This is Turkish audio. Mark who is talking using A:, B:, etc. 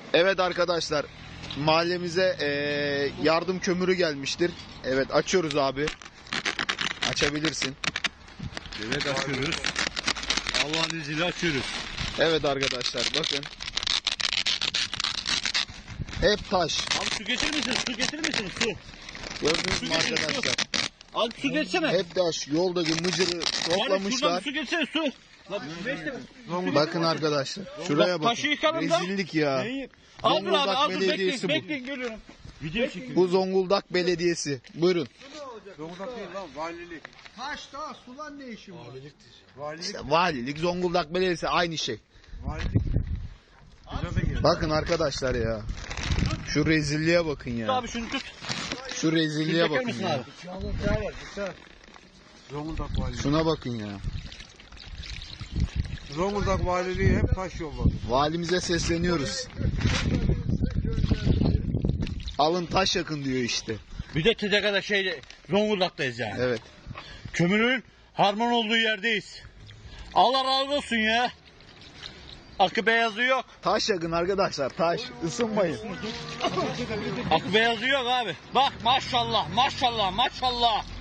A: Evet arkadaşlar, mahallemize yardım kömürü gelmiştir. Evet, açıyoruz abi. Açabilirsin.
B: Evet, açıyoruz. Allah'ın izniyle açıyoruz.
A: Evet arkadaşlar, bakın. Hep taş.
B: Abi su getirir misin? Su getirir misin? Su.
A: Gördünüz mü arkadaşlar?
B: Abi su getirsene.
A: Hep taş. Yoldaki mıcırı
B: Yani şuradan
A: toplamışlar.
B: su getirsene su.
A: Bakın arkadaşlar. Şuraya bakın.
B: Taşı yıkalım da.
A: Rezillik ya.
B: Abi
A: Zonguldak
B: abi dur
A: Belediyesi bu.
B: bekleyin geliyorum. Video çekiyorum.
A: Bu Zonguldak Belediyesi. Buyurun.
C: Zonguldak değil lan, valilik.
D: Taş da sulan ne işin var?
C: Valilik,
A: İşte valilik, Zonguldak Belediyesi aynı şey.
C: valilik. Bize de gelir.
A: Bakın arkadaşlar ya. Şu rezilliğe bakın ya.
B: Abi şunu tut.
A: Şu rezilliğe
B: Çeker
A: bakın
B: misin
A: ya.
B: abi?
C: Zonguldak valiliği.
A: Şuna bakın ya.
C: Zonguldak valiliği hep taş yolladı.
A: Valimize sesleniyoruz. Alın taş yakın diyor işte.
B: Bir de Tedeka'da Zonguldak'tayız yani.
A: Evet.
B: Kömürün harman olduğu yerdeyiz. Allah razı olsun ya. Akı beyazı yok.
A: Taş yakın arkadaşlar, taş. Isınmayın.
B: Akı beyazı yok abi. Bak maşallah maşallah maşallah.